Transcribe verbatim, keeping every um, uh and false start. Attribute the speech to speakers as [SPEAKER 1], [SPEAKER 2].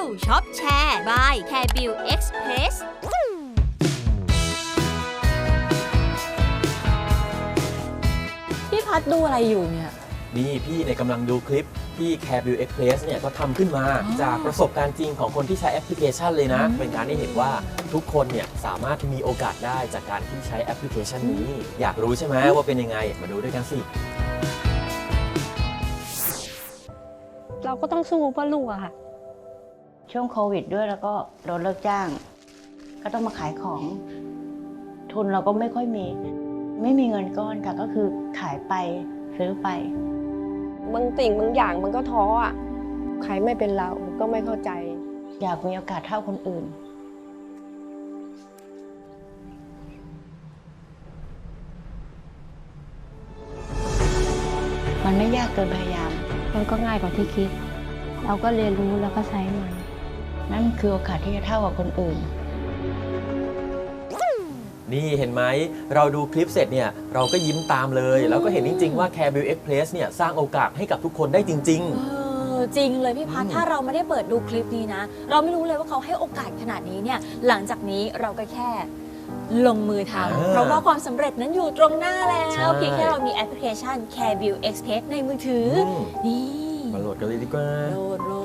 [SPEAKER 1] ช็อปแชร์ by แคร์บิวเอ็กซ์เพรส
[SPEAKER 2] พี่พัดดูอะไรอยู่เนี่ย
[SPEAKER 3] นี่พี่เนี่ยกำลังดูคลิปที่ CareBuild Express เนี่ยก็ทำขึ้นมาจากประสบการณ์จริงของคนที่ใช้แอปพลิเคชันเลยนะ เป็นการได้เห็นว่าทุกคนเนี่ยสามารถมีโอกาสได้จากการที่ใช้แอปพลิเคชันนี้ อยากรู้ใช่ไหมว่าเป็นยังไง มาดูด้วยกันสิ
[SPEAKER 4] เราก็ต้องสู้เพื่อลูกอะค่ะ
[SPEAKER 5] ช่วงโควิดด้วยแล้วก็โดนเลิกจ้าง ก็ต้องมาขายของ ทุนเราก็ไม่ค่อยมี ไม่มีเงินก้อนค่ะก็คือขายไปซื้อไป
[SPEAKER 4] บางสิ่งบางอย่างมันก็ท้ออะใครไม่เป็นเราก็ไม่เข้าใจ
[SPEAKER 5] อยากมีโอกาสเท่าคนอื่น มันไม่ยากเกินพยายาม
[SPEAKER 4] มันก็ง่ายกว่าที่คิด เราก็เรียนรู้แล้วก็ใช้มัน
[SPEAKER 5] นั่นคือโอกาสที่จะเท่ากับคนอื่น
[SPEAKER 3] นี่เห็นไหมเราดูคลิปเสร็จเนี่ยเราก็ยิ้มตามเลย แล้วก็เห็นจริงๆว่า CareBuild Express เนี่ยสร้างโอกาสให้กับทุกคนได้จริง
[SPEAKER 2] เออจริงเลยพี่พัด
[SPEAKER 3] อืม
[SPEAKER 2] ถ้าเราไม่ได้เปิดดูคลิปนี้นะ เราไม่รู้เลยว่าเขาให้โอกาสขนาดนี้เนี่ย หลังจากนี้เราก็แค่ลงมือทำเพราะว่าความสำเร็จนั้นอยู่ตรงหน้าแล้วเพียงแค่เรามีแอปพลิเคชัน CareBuild Express ในมือถือ
[SPEAKER 3] อืม
[SPEAKER 2] นี่
[SPEAKER 3] ๆ มาโหลดกันเลยดีกว่า
[SPEAKER 2] โหลดโหล